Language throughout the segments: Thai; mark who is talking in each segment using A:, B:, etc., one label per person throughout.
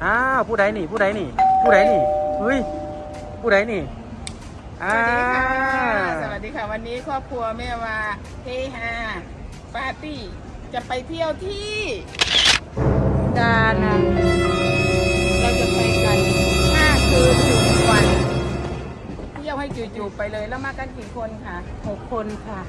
A: อ้าวผู้ใดนี่ผู้ใดนี่ผู้ใดนี่เฮ้ยผู้ใดนี่
B: สวัสดีค่ะวันนี้ครอบครัวแม่ว่าเฮฮาปาร์ตี้จะไปเที่ยวที่ดานังเราจะไปกัน5 คืน1 วันเที่ยวให้จู่ๆไปเลยแล้วมากันกี่คนคะ6 คนค่ะ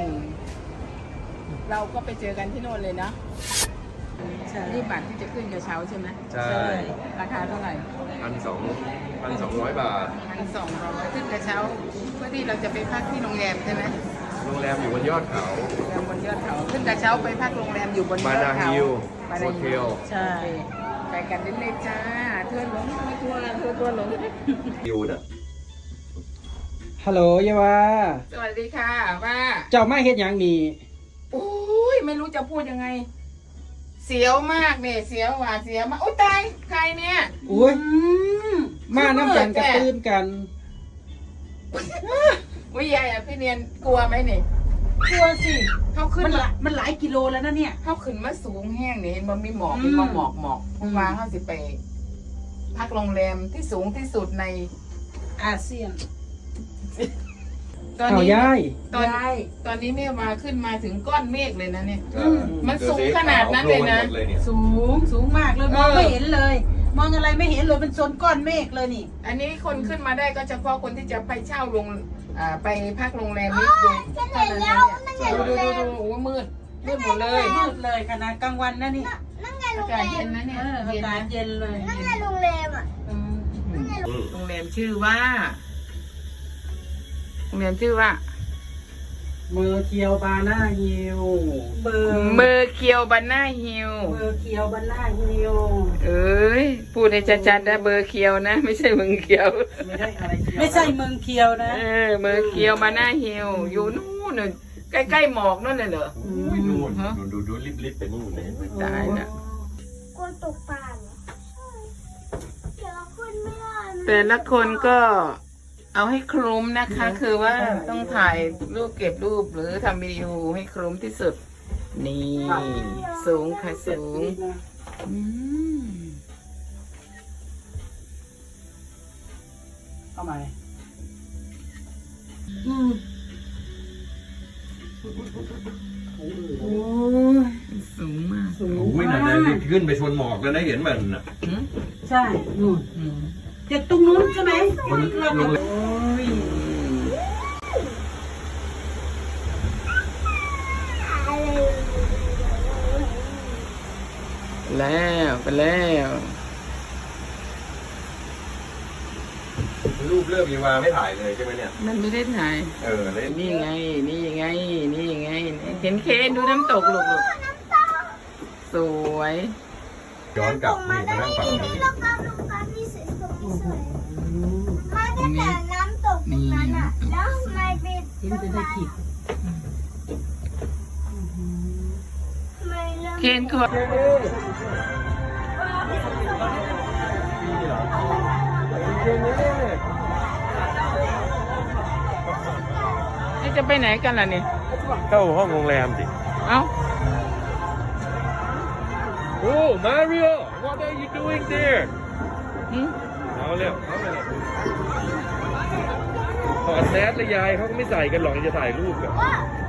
B: เราก็ไปเจอกันที่โน่นเลยเนาะนี่บัตรที่จะขึ้นกระเช้าใช่ไหม
C: ใช่
B: ราคาเท่าไหร่
C: 1,200 บาท
B: 1,200ขึ้นกระเช้าเพื่อที่เราจะไปพักที่โรงแรมใช่ไหม
C: โรงแรมอยู่บนยอดเขา
B: โรงแรมบนยอดเขาขึ้นกระเช้าไปพักโรงแรมอยู่บนยอดเขา
C: บานาฮิล
B: บานา
C: โฮเท
B: ฮิล
C: ล
B: ใช่ไปกันเล่นๆจ้าเทือนหลงตัวหลง
C: ยูน่ะ
A: ฮัลโหลยาวา
B: สวัสดีค่ะว่า
A: เจ้ามาเฮ็ดหยังนี่
B: โอ้ยไม่รู้จะพูดยังไง เสียวมากเนี่ยเสียวหวาดเสียวมากโอ้ตายใครเนี่ย
A: อุ้ยมาน้ำกันกระตื้นกัน
B: วิยายอ่ะพี่เนียนกลัวไหมเนี่ย
D: กลัวสิ
B: เขาขึ้น
D: มันหลายกิโลแล้วนะเนี่ย
B: เขาขึ้นมาสูงแห้งเนี่ยเห็นมันมีหมอกมีหมอกเพราะว่าเขาสิไปพักโรงแรมที่สูงที่สุดใน
D: อาเซียน
B: ตอน
A: เอา
B: นี้
A: ยาย
B: ตอนนี้แม่มาขึ้นมาถึงก้อนเมฆเลยนะเนี่ย
C: ก็
B: มันสูงขนาดนั้นเลยนะ
C: โผล่หมดย
D: สูงมากเลยมองไม่เห็นเลย มองอะไรไม่เห็นเลยเป็นโซนก้อนเมฆเลยนี่
B: อันนี้คนขึ้นมาได้ก็เฉพาะคนที่จะไปเช่าไปพักโรงแรมนี้เท่านั้นเนี่ยดูโอ้มืดหมดเลย
D: มืดเลยขนาดกลางวันนะนี่
B: อากาศเย็นนะเนี่ย
D: อา
B: เย็น
D: กาศ
B: นะ
D: เย็นเลย
E: นั่นไงโรงแรมอ่ะ
B: โรงแรมชื่อว่าโรงแรมชื่อว่า
A: เมอร์เคียวบาน่าฮิล
D: เบอร์
B: เมอร์เคียวบาน่าฮิล
D: เบอร์เคียวบันล่าฮิล
B: เอ้ยพูดให้ชัดๆนะเบอร์เคียวนะไม่ใช่เมืองเคียว
A: ไม่ได้อะไรเคียว
D: ไม่ใช่เมืองเคียวนะ
B: เมอร์เคียวบาน่าฮิลอยู่นู่นน่ะใกล้ๆหมอกนั่นเลยเหรอ
C: อุ้ยนู่นดูลิบๆไปนู่นเลย
B: ตายละ
E: กลัวตกปลาเหรอเดี๋ยวเราขึ้นไม่ได้
B: แต่ละคนก็เอาให้คลุ้มนะคะ คือว่าต้องถ่ายรูปเก็บรูปหรือทำวิดีโอให้คลุ้มที่สุด นี่สูงค่ะสูงอืม
A: เข้ามา
D: โอ้ย
B: สูงมาก
D: สูง
C: โอ้ยนั่นน่ะขึ้นไปชนหมอกแล้วนะเห็นมันน่ะ
B: อืม
D: ใช่นู่น
B: อืม
D: จากตรงนู้นใช่ไหม
C: มันลงเลย
D: โอ้ย
B: แล้วไปแล้ว
C: รูปเริ่มมีวาไม่ถ่ายเลยใช่ไหมเนี่ย
B: มันไม่ได้ถ่าย
C: เล่น
B: นี่ไง นี่ไง นี่ไงเห็นเคนดูน้ำตกลูกสวย
C: ย้อนกลับนี่มานั่งฝั่งนี้
E: โรงแรมนี่สวยๆมาตั้งแต่น้ำตกตรงนั้นอ่ะแล้วทำไมเป็น
D: เห็นจะได้ผิด
E: ทำไมเริ่ม
B: เคนขอนี่จะไปไหนกันล่ะเนี่ย
C: เข้าห้องโรงแรมดิ
B: เอ้า
C: โอ้ Mario what are you doing there
B: หืม
C: เอาเร็วเอาเลยถอดแมสเลยยายเขาก็ไม่ใส่กันหรอกจะถ่ายรูปกัน
E: ว่า